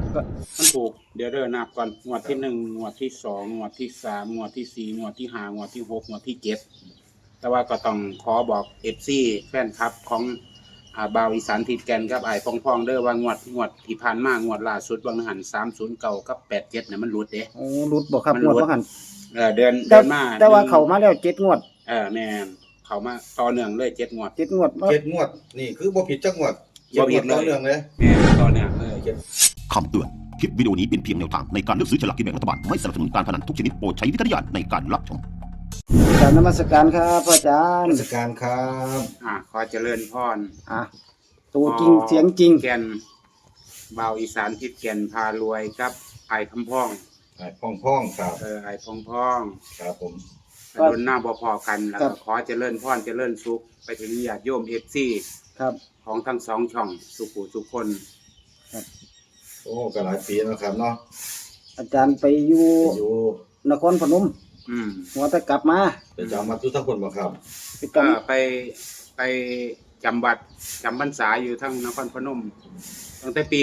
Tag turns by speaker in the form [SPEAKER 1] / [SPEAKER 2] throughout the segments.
[SPEAKER 1] ก็มันถูกเดี๋ยวเด้อนับก่อนงวดที่1งวดที่2งวดที่3งวดที่4งวดที่5งวดที่6งวดที่7แต่ว่าก็ต้องขอบอก FC แฟนคลับของบ่าวอีสานทิดแกนกับอ้ายพ่องๆเด้อว่างวดที่ผ่านมางวดล่าสุดบางหัน309กับ87เนี่ยมันหลุดเด้
[SPEAKER 2] โอ้รุดบ่ครับงวดบ่หัน
[SPEAKER 1] เดือนมา
[SPEAKER 2] แต่ว่าเข้ามาแล้ว7งวด
[SPEAKER 1] แม่นเข้ามาต่อเนื่องเลย7งวด
[SPEAKER 2] 7งวด
[SPEAKER 3] 7 งวดนี่คือบ่ผิดจักงวด
[SPEAKER 1] บ่ผิดเลย
[SPEAKER 3] ต่อเนื่องเลย
[SPEAKER 1] แม่นต่อเนื่องเลย
[SPEAKER 4] คำเตือน คลิปวิดีโอนี้เป็นเพียงแนวทางในการเลือกซื้อฉลากกินแบ่งรัฐบาล ไม่สนับสนุนการพนันทุกชนิดโปรดใช้วิจารณญาณในการรับชม
[SPEAKER 2] กราบนมัสการครับอาจารย์
[SPEAKER 3] ราชการครับ
[SPEAKER 1] ขอเจริญพร
[SPEAKER 2] ตัวจริงเสียงจริง
[SPEAKER 1] แก่นบ่าวอีสานทิดแก่นพารวยครับไอ้คำพ้อง
[SPEAKER 3] ไอ้พ่องครับ
[SPEAKER 1] ไอ้พ้อง
[SPEAKER 3] ครับผม
[SPEAKER 1] โดนหน้าบ่พอกันแล้วขอเจริญพรเจริญสุขไปถึงญาติโยม FC
[SPEAKER 2] ครับ
[SPEAKER 1] ของทั้งสองช่องสุขุสุขคน
[SPEAKER 2] ครับ
[SPEAKER 3] โอ้ก็หลายปีแล้วครับเนาะ
[SPEAKER 2] อาจารย์ไปอยู่นครพนมหัวแต่กลับมา
[SPEAKER 3] ไปจำมาทุกทั้งคนบ่ครับ
[SPEAKER 1] ไปจำบัตรจำพรรษาอยู่ทั้งนครพนมตั้งแต่ปี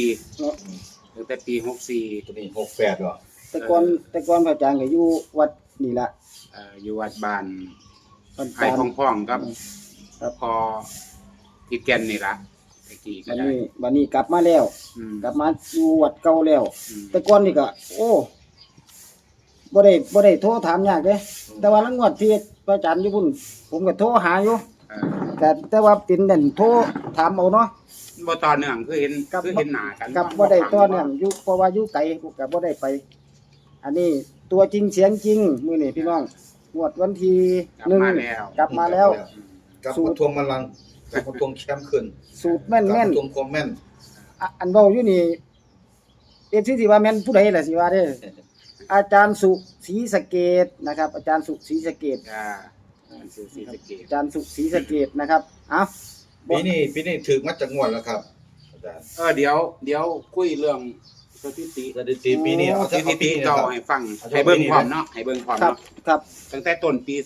[SPEAKER 1] 64ตั้งแต่ปี64
[SPEAKER 3] ตัวนี้68เหรอ
[SPEAKER 2] แต่ก่อนพระอาจารย์ก็อยู่วัดนี่ล่ะ
[SPEAKER 1] อยู่วัดบ้านไอ้พ่องๆครับพอทิดแก่นนี่ล่ะตะกี้ก็ได้
[SPEAKER 2] บัดนี้กลับมาแล้วกลับมาอยู่วัดเก่าแล้วแต่ก่อนนี่ก็โอ้บ่ได้โทรถามยากเด้แต่ว่าละงวดที่พระอาจารย์อยู่พุ่นผมก็โทรหาอยู่แต่ว่าเป็นนั่นโทรถามเอาเนาะ
[SPEAKER 1] บ่ต่อเนื่องคือเห็นหน้ากัน
[SPEAKER 2] กับบ่ได้ต่อเนื่องอยู่เพราะว่าอยู่ไกลก็บ่ได้ไปอันนี้ตัวจริงเสียงจริงมื้อนี้พี่น้องงวดวันที่1กลับมาแล้ว
[SPEAKER 3] กลับมาทวงบัลลังก์กลับมาทวงแชมป์ขึ้น
[SPEAKER 2] สูตรแม่น
[SPEAKER 3] ๆทวงความแม่น
[SPEAKER 2] อันเว้าอยู่นี่สิว่าแม่นผู้ใดล่ะสิว่าเด้ออาจารย์สุศรีสะเกษนะครับอาจารย์สุศรีสะเกษอาจารย์สุศรีสะเกษนะครับ
[SPEAKER 3] ปีนี้ถึงมาจากงวดแล้วครับอาจารย์
[SPEAKER 1] เดี๋ยวคุยเรื่องสถิติ
[SPEAKER 3] ปีนี้เอา
[SPEAKER 1] สถิติเก่าให้ฟังให้เบิ่งพร้อมเนาะให้เบิ่งพร้อมเนาะ
[SPEAKER 2] ครับ
[SPEAKER 1] ตั้งแต่ต้นปี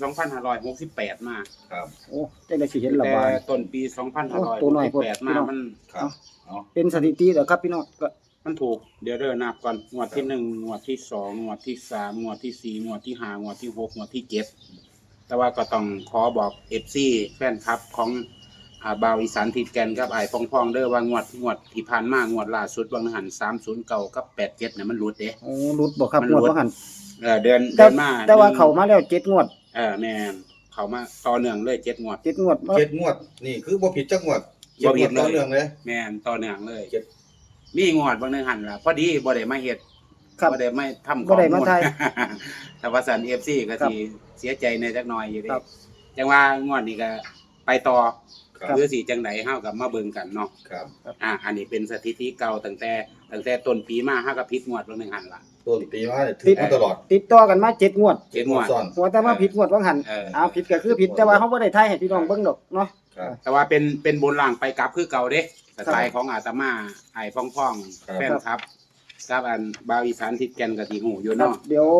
[SPEAKER 1] 2568มา
[SPEAKER 3] ครับ
[SPEAKER 2] โอ้จังได๋สิเห็นละว่า
[SPEAKER 1] ต้นปี2568มามัน
[SPEAKER 3] ครับ
[SPEAKER 2] เป็นสถิติเหรอครับพี่น้องก็
[SPEAKER 1] มันถูกเดี๋ยวเด้อนับก่อนงวดที่1งวดที่2งวดที่3งวดที่4งวดที่5งวดที่6งวดที่7แต่ว่าก็ต้องขอบอก FC แฟนคลับของบ่าวอีสานทิดแกนกับอ้ายพ่องๆเด้อว่างวดที่ผ่านมางวดล่าสุดบางหัน309กับ87เนี่ยมันหลุดเด้
[SPEAKER 2] โอ้หลุดบ่ครับงวดบ่หัน
[SPEAKER 1] เดือนมา
[SPEAKER 2] แต่ว่าเข้ามาแล้ว7งวด
[SPEAKER 1] แม่นเข้ามาต่อเนื่องเลย7งวด
[SPEAKER 2] 7งวด
[SPEAKER 3] นี่คือบ่ผิดจักงวด
[SPEAKER 1] บ่ผิด
[SPEAKER 3] ต่อเนื่องเลย
[SPEAKER 1] แม่นต่อเนื่องเลยมีงวดบางนึงหันล่ะพอดีบ่ได้มาเฮ็ดบ่ได้มาทำ
[SPEAKER 2] บ่ได้มาถ่าย
[SPEAKER 1] แต่ว่าสัน FC ก็สิเสียใจในจักหน่อยอยู่เด้จังว่างวดนี้ก็ไปต่อหรือสิจังได๋เฮาก็มาเบิ่งกันเนาะ
[SPEAKER 3] ครับ
[SPEAKER 1] อันนี้เป็นสถิติเก่าตั้งแต่ต้นปีมาเฮาก็ผิดงวดบางนึงหันล่ะ
[SPEAKER 3] ต้นปีมาถูกมาตลอด
[SPEAKER 2] ติดต่อกันมา7งวด
[SPEAKER 1] 7งวด
[SPEAKER 2] หัวแต่มาผิดงวดบางหันผิดก็คือผิดแต่ว่าเฮาบ่ได้ถ่ายให้พี่น้องเบิ่งดอกเนาะ
[SPEAKER 1] แต่ว่าเป็นบนล่างไปกลับคือเก่าเด้สไตล์ของอาตมาไอ้พ่องๆแฟนครับกับอันบ่าวอีสานทิดแก่นก็สิฮู้อยู่เนาะ
[SPEAKER 2] เดี๋ยว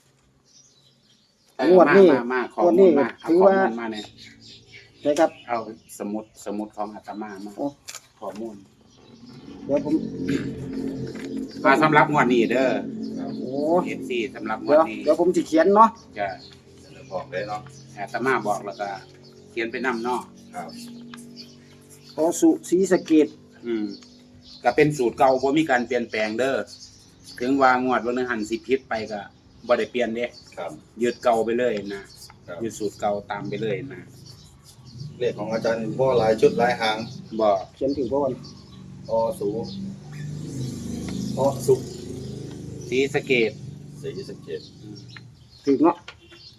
[SPEAKER 2] งวดนี้
[SPEAKER 1] มาข้อมูลมา
[SPEAKER 2] ถือว่า
[SPEAKER 1] มาเนี่ย
[SPEAKER 2] ใช่ครับ
[SPEAKER 1] เอาสมุดของอาตมาข้อมูล
[SPEAKER 2] เดี๋ยวผม
[SPEAKER 1] สำหรับงวดนี้เด้อ
[SPEAKER 2] โอ้
[SPEAKER 1] FC สำหรับงวดนี้
[SPEAKER 2] เดี๋ยวผมสิเขียนเนาะ
[SPEAKER 1] จะ
[SPEAKER 3] บอกได้เนาะ
[SPEAKER 1] อาตมาบอกแล้วก็เขียนไปนำเนาะ
[SPEAKER 3] ครับ
[SPEAKER 2] สุศรีสะเกษ
[SPEAKER 1] ก็เป็นสูตรเก่าบ่มีการเปลี่ยนแปลงเด้อถึงว่างวดวันนึงหันสิผิดไปก็บ่ได้เปลี่ยนเด้
[SPEAKER 3] ครับ
[SPEAKER 1] ยึดเก่าไปเลยนะยึดสูตรเก่าตามไปเลยนะ
[SPEAKER 3] เลขของอาจารย์บ่หลายชุดหลายหาง
[SPEAKER 1] บ่
[SPEAKER 2] เขียนถึงบ่วัน
[SPEAKER 3] สุ
[SPEAKER 1] ศรีสะเกษ
[SPEAKER 2] ถึงเนาะ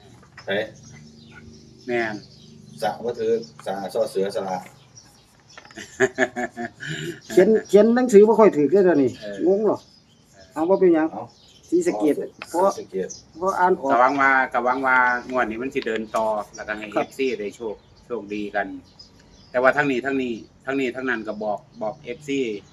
[SPEAKER 1] แม่น
[SPEAKER 3] สะบ่ถือสะซอเสือสระ
[SPEAKER 2] เขียนหนังสือบ่ค่อยถูกเด้อเดี๋ยวนี้งงหรอเอาบ่เป็นหยังศรีสะเกษเพราะอ่านออก
[SPEAKER 1] กะหวังว่างวดนี้มันสิเดินต่อแล้วก็ให้ FC ได้โชคดีกันแต่ว่าทั้งนี้ทั้งนั้นก็บอก FC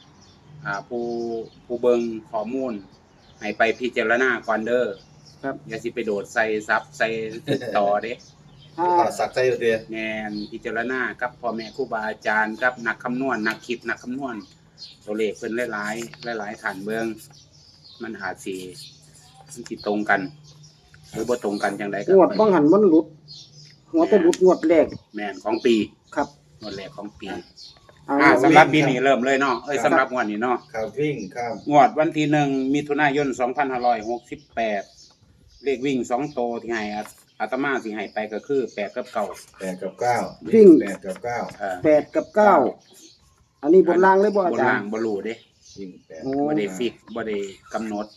[SPEAKER 1] ผู้เบิ่งข้อมูลให้ไปพิจารณาก่อนเด้อ
[SPEAKER 2] ครับ
[SPEAKER 1] อย่าสิไปโดดใส่ซับใส่ต่อเด้
[SPEAKER 3] สักใจเด้อ
[SPEAKER 1] แม่นพิจารณากับพ่อแม่ครูบาอาจารย์กับนักคำนวณนักคิดนักคำนวณตัวเลขเพิ่นหลายฐานเบิ่งมันอาจสิตรงกัน หรือบ่ตรงกันจังไดก็
[SPEAKER 2] งวดบ่หันมันหลุดหัวแต่หลุดงวดแรก
[SPEAKER 1] แม่นของปี
[SPEAKER 2] ครับ
[SPEAKER 1] งวดแรกของปี
[SPEAKER 2] เอา
[SPEAKER 1] สำหรับปีนี้เริ่มเลยเนาะสำหรับงวดนี้เนาะ
[SPEAKER 3] ครับวิ่งครับ
[SPEAKER 1] งวดวันที่1มิถุนายน2568เลขวิ่ง2ตัวที่ให้อาตมาสิให้ไปก็คือ8กับ9
[SPEAKER 3] 8 กับ 9
[SPEAKER 2] วิ่ง
[SPEAKER 3] 8 กับ 9
[SPEAKER 2] 8 กับ 9 อันนี้บนล่างเลยบ่อา
[SPEAKER 1] บน
[SPEAKER 2] จาร
[SPEAKER 1] ล่าง
[SPEAKER 2] ย์
[SPEAKER 1] บ่รู้เด้
[SPEAKER 3] วิ่ง8
[SPEAKER 2] โอ้
[SPEAKER 1] บ่ได้ฟิกบ่ได้กำหนด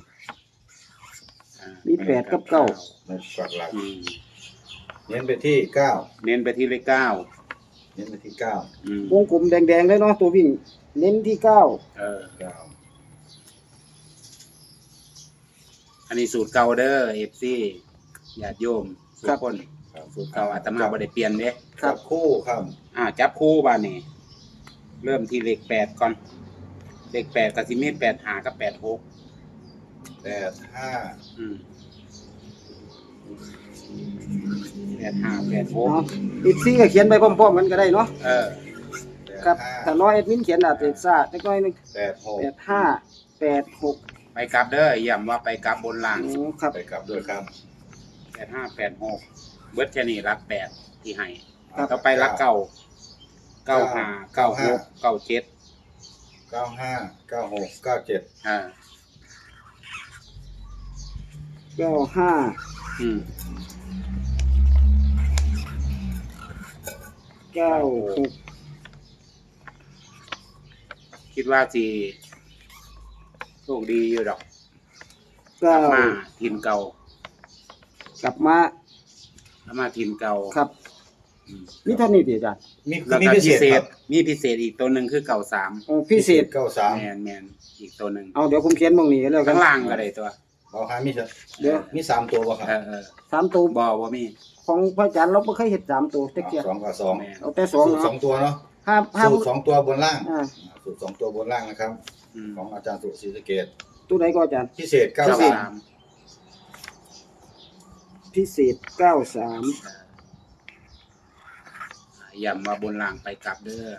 [SPEAKER 2] มี 8 กับ 9
[SPEAKER 3] ในฝักหลัก
[SPEAKER 1] อืม
[SPEAKER 3] เน้นไปที่ 9
[SPEAKER 1] เน้นไปที่เลข9
[SPEAKER 3] เน้นไปที่ 9
[SPEAKER 1] อืม
[SPEAKER 2] วงกลมแดงๆเลยเนาะตัววิ่ง เน้นที่ 9
[SPEAKER 3] 9
[SPEAKER 1] อันนี้สูตรเก่าเด้อ FC ญาติโยมทุกคน
[SPEAKER 3] ครับ
[SPEAKER 1] สูตรเก่าอาตมาบ่ได้เปลี่ยนเด้
[SPEAKER 3] จับคู่ครับ
[SPEAKER 1] จับคู่บ้านนี่เริ่มที่เลข8ก่อนเลข8ก็สิมี85กับ86
[SPEAKER 3] 8 5
[SPEAKER 1] อืม85
[SPEAKER 2] เนาะอีกซี่ก็เขียนไปพร้อมๆกันก็ได้เนาะ
[SPEAKER 1] 86
[SPEAKER 2] ครับถ้าน้อยแอดมินเขียนอาจจะซ่าจักหน่อยนึง
[SPEAKER 3] 8
[SPEAKER 2] 85 86
[SPEAKER 1] ไปกลับเด้อย้ำว่าไปกลับบนล่าง
[SPEAKER 2] อ๋อครับ
[SPEAKER 3] 6ไปกลับด้วยครับ
[SPEAKER 1] 85 86เบิดแค่นี้รัก8ที่ให้
[SPEAKER 2] ครับ
[SPEAKER 1] ต่อไปรัก95 96 97
[SPEAKER 3] 95 96 97
[SPEAKER 2] 95
[SPEAKER 1] อืม
[SPEAKER 2] 96
[SPEAKER 1] คิดว่าสิโชคดีอยู่ดอกกลับมา
[SPEAKER 2] 9
[SPEAKER 1] ทีมเก่าก
[SPEAKER 2] ลับมา
[SPEAKER 1] ทีมเก่า
[SPEAKER 2] ครับ
[SPEAKER 1] อืม
[SPEAKER 2] มีเท่านี้ติอาจารย์
[SPEAKER 3] มี
[SPEAKER 1] แล้ว
[SPEAKER 3] มี
[SPEAKER 1] ก็
[SPEAKER 3] พิ
[SPEAKER 1] พิ
[SPEAKER 3] เศ
[SPEAKER 1] เศ
[SPEAKER 3] ษ
[SPEAKER 1] ษ
[SPEAKER 3] ครับ
[SPEAKER 1] มีพิเศษอีกตัวหนึ่งคือเก่า3
[SPEAKER 2] โอ้พิเศษ
[SPEAKER 1] แมนอีกตัวหนึ่ง
[SPEAKER 2] เอาเดี๋ยวผมเขียนตรงนี้แล้วกั
[SPEAKER 1] ข้าน งล่างก็ได้ตัว
[SPEAKER 3] เอาหามีเถอะ
[SPEAKER 2] เดี๋ยว
[SPEAKER 3] มี3ตัวบ่ครับ
[SPEAKER 2] 3 ตัว
[SPEAKER 1] บ่มี
[SPEAKER 2] ของพระอาจารย์เราบ่เคยเฮ็ด3ตัวจักเที่ย
[SPEAKER 3] 2 กับ 2
[SPEAKER 1] แม่น
[SPEAKER 2] เอาแต่
[SPEAKER 3] สูตร
[SPEAKER 2] 2เนาะ
[SPEAKER 3] 2ตัวเนาะ
[SPEAKER 2] ห้า
[SPEAKER 3] สูตร2ตัวบนล่าง
[SPEAKER 2] อ่า
[SPEAKER 3] สูตร2ตัวบนล่างนะครับ
[SPEAKER 1] อืม
[SPEAKER 3] ของอาจารย์สุศรีสะเกษ
[SPEAKER 2] ตัวไหนก็อาจารย์
[SPEAKER 3] พิเศษ
[SPEAKER 1] เก้า
[SPEAKER 3] 93
[SPEAKER 1] สาม
[SPEAKER 2] พิเศษ 93
[SPEAKER 1] ย้ำว่าบนล่างไปกลับเด้อ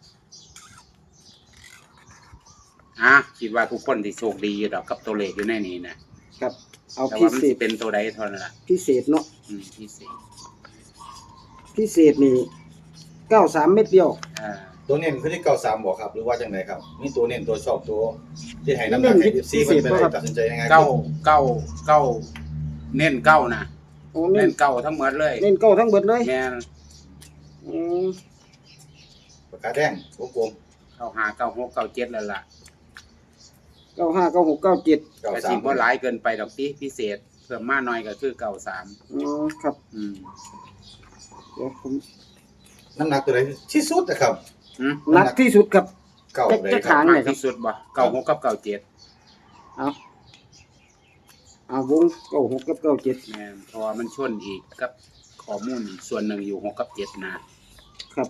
[SPEAKER 1] คิดว่าทุกคนที่โชคดีอยู่ดอกกับตัวเลขอยู่ในนี้นะครับ
[SPEAKER 2] เอา
[SPEAKER 1] แต่
[SPEAKER 2] พิ
[SPEAKER 1] ว่ามัน
[SPEAKER 2] เศ
[SPEAKER 1] สิ
[SPEAKER 2] ษ
[SPEAKER 1] เป็นตัวใดเท่านั้นล่ะ
[SPEAKER 2] พิเศษเนาะ
[SPEAKER 1] พิเศษ
[SPEAKER 2] พิเศษนี่93เม็ดเดียว
[SPEAKER 3] ตัวเน้นคือที่93บ่ครับหรือว่าจังไดครับมีตัวเน้นตัวชอบตัวที่ให้น้ำหนักให้ FC เพิ่นไปได้ตัดสินใจยังไง
[SPEAKER 1] เก้าเน้นเก้านะ
[SPEAKER 2] โอ้
[SPEAKER 1] เน้
[SPEAKER 2] เน้น
[SPEAKER 1] นเก้าทั้งหมดเลย
[SPEAKER 2] เน้นเก้าทั้งเบิดเลย
[SPEAKER 1] แม่น
[SPEAKER 2] อืม
[SPEAKER 3] ปากกาแดงวงกลม
[SPEAKER 1] 95 96 97แล้วล่ะ
[SPEAKER 2] 95 96 97
[SPEAKER 1] ก็สิบ่หลายเกินไปดอกติพิเศษเพิ่มมาหน่อยก็คือ93
[SPEAKER 2] อ๋อครับ
[SPEAKER 1] อืม
[SPEAKER 2] เดี๋ยวผม
[SPEAKER 3] น้ำหนักตัวไหนที่สุดนะครับ
[SPEAKER 2] หนักที่สุดครับ
[SPEAKER 3] เก่าเลย
[SPEAKER 2] จะ
[SPEAKER 3] ครับ
[SPEAKER 2] ขาง
[SPEAKER 1] มากที่สุดบ่96กับ97
[SPEAKER 2] เอาวง96กับ97
[SPEAKER 1] แม่นเพราะว่ามันชนอีกกับข้อมูลอีกส่วนหนึ่งอยู่6กับ7นะครับ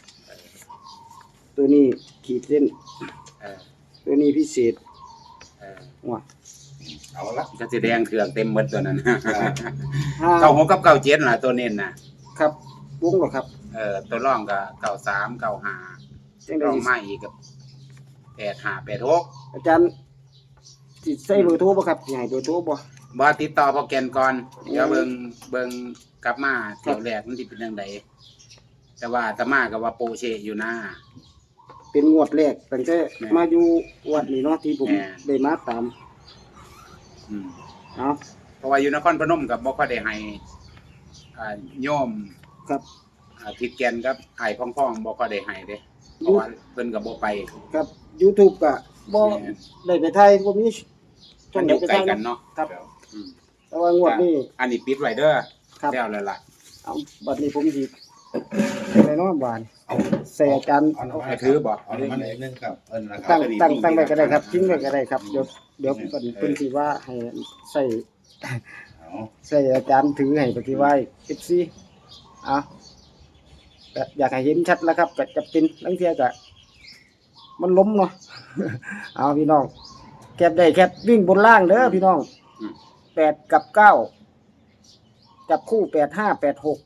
[SPEAKER 2] ตัวนี้ขีดเส้น
[SPEAKER 1] เออ
[SPEAKER 2] ตัวนี้พิเศษ ว่ะ
[SPEAKER 3] เอาละ
[SPEAKER 1] ก็สิแดงเครื่องเต็มหมดตัวนั้น
[SPEAKER 2] ห้า
[SPEAKER 1] 96กับ97ล่ะตัวเน้นน่ะ
[SPEAKER 2] ครับวงเหรอครับ
[SPEAKER 1] ตัวรองก็93 95
[SPEAKER 2] จัง
[SPEAKER 1] ร
[SPEAKER 2] ได๋
[SPEAKER 1] องมาอีกกับ85 86
[SPEAKER 2] อาจารย์สิใส่เบอร์โทรบ่ครับสิให้เบอร์โทรบ่
[SPEAKER 1] บ่ติดต่อพอแกนก่อน เดี๋ยวเบิ่งกลับมาเที่ยวแรกมันสิเป็นจังไดแต่ว่าอาตมาก็ว่าโปเชอยู่นะ
[SPEAKER 2] เป็นงวดแรกตั้งแต่
[SPEAKER 1] แม่
[SPEAKER 2] มาอยู่วัดนี่เนาะที่ผม
[SPEAKER 1] แม่
[SPEAKER 2] ได้มาตาม
[SPEAKER 1] อืม
[SPEAKER 2] เอา
[SPEAKER 1] เพราะว่าอยู่นครพนมก็บ่ค่อยได้ให้โยม
[SPEAKER 2] ครับ
[SPEAKER 1] ทิดแกนกับไอ้พ่องๆบ่ค่อยได้ให้เด้เพราะว่าเพิ่นก็บ่ไป
[SPEAKER 2] ครับ YouTube ก็บ่
[SPEAKER 1] แม่น
[SPEAKER 2] ได้ไปถ่ายบ่มี
[SPEAKER 1] มันอยู่ใกล้กันเนาะ
[SPEAKER 2] ครับ
[SPEAKER 1] อืม
[SPEAKER 2] แต่ว่างวดนี้
[SPEAKER 1] อันนี้ปิดไว้เด้อ
[SPEAKER 2] ครับ
[SPEAKER 1] แล้วแล้วล่ะ
[SPEAKER 2] เอาบัดนี้ผมสิอะไรเนาะบาน
[SPEAKER 3] เอา
[SPEAKER 2] ใส่อาจารย์
[SPEAKER 3] เอา
[SPEAKER 1] ให้ถือบ่
[SPEAKER 3] เอาน้ำมันอีกนึงครับนะครั
[SPEAKER 2] ตั้
[SPEAKER 3] บ
[SPEAKER 2] งตั้งไว้ก็ได้ครับทิ้งไว้ก็ได้ครับเดี๋ยวเพิ่นสิว่าให้ใส่
[SPEAKER 3] เอา
[SPEAKER 2] ใส่อาจารย์ถือให้ปฏิไว้ FC อ่ะก็อยากให้เห็นชัดแล้วครับก็จะเป็นลังเทียก็มันล้มเนาะ เอาพี่น้องแคบได้แคบวิ่งบนล่างเด้อพี่น้อง8กับ9จับคู่85 86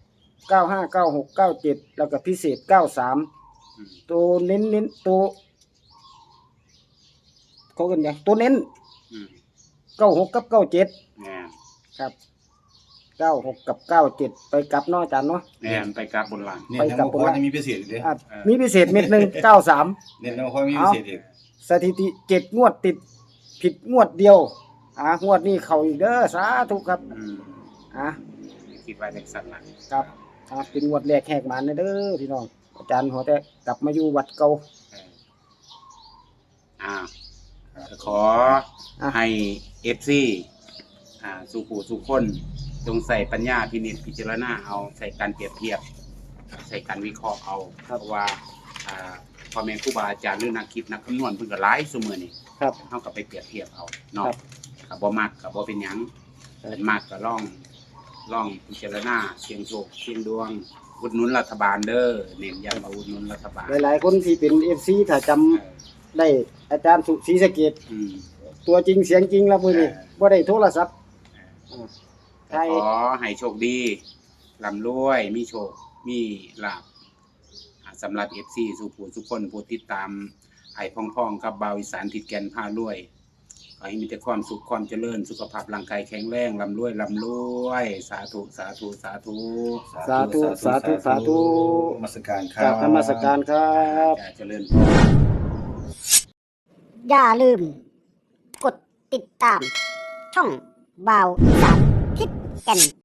[SPEAKER 2] 95 96 97แล้วก็พิเศษ93ตัวเน้นตัวเขากันยังตัวเน้น
[SPEAKER 1] อืม
[SPEAKER 2] 96กับ97
[SPEAKER 1] แม่น
[SPEAKER 2] ครับ96กับ97ไปกลับเนาะอาจารย์เนาะ
[SPEAKER 1] แม่นไปกราบบนหลัง
[SPEAKER 3] เนี่ยยังบ่พอจะมีพิเศษอีกเด้
[SPEAKER 2] อ่ะมีพิเศษเม็ดหนึง93
[SPEAKER 3] เนี่ยยังพอมีพิเศษอีก
[SPEAKER 2] สถิติ7งวดติดผิดงวดเดียวงวดนี้เข้าอีกเด้อสาธุครับ
[SPEAKER 1] อืม
[SPEAKER 2] อ่ะ
[SPEAKER 1] คิดว่าจังซั่นล่ะ
[SPEAKER 2] ครับเป็นงวดแรกแหกหมานเด้อพี่น้องอาจารย์หัวแต่กลับมาอยู่วัดเก่า
[SPEAKER 1] เอออ่าขอ
[SPEAKER 2] อ่ะ
[SPEAKER 1] ให้ FC สู่ผู้สู่คนจงใส่ปัญญาพินิจพิจารณาเอาใส่การเปรียบเทียบ ใส่การวิเคราะห์เอาเพราะว่าพ่อแม่ครูบาอาจารย์หรือนักคิดนักคำนวณเพิ่นก็หลายซุมื้อนี้
[SPEAKER 2] ครับ
[SPEAKER 1] เฮาก็ไปเปรียบเทียบเอาเนาะ
[SPEAKER 2] ครับ
[SPEAKER 1] ก็บ่มักก็บ่เป็นหยังเป็นมักก็ลองพิจารณาเสี่ยงโชคเสี่ยงดวงอุดหนุนรัฐบาลเด้อเน้นย้ำว่าอุดหนุนรัฐบาล
[SPEAKER 2] หลายๆคนที่เป็น FC ถ้าจำได้อาจารย์สุศรีสะเกษ
[SPEAKER 1] อืม
[SPEAKER 2] ตัวจริงเสียงจริงแล้วมื้อนี้บ่ได้โทรศัพท์ไทย
[SPEAKER 1] ขอให้โชคดีร่ำรวยมีโชคมีลาภสำหรับ FC สู่ผู้ทุกคนผู้ติดตามไอ้พ่องๆกับบ่าวอีสานทิดแก่นพารวยขอให้มีแต่ความสุขความเจริญสุขภาพร่างกายแข็งแรงร่ำรวยสาธุสาธุสาธุ
[SPEAKER 2] สาธุสาธุสาธุ
[SPEAKER 3] นมัสการค
[SPEAKER 2] ก
[SPEAKER 3] รั
[SPEAKER 2] รา
[SPEAKER 3] บบ
[SPEAKER 2] นมัสการครับ
[SPEAKER 1] จะเจริญพร
[SPEAKER 5] อย่าลืม กดติดตาม ช่องบาวอีสานทิศแก่น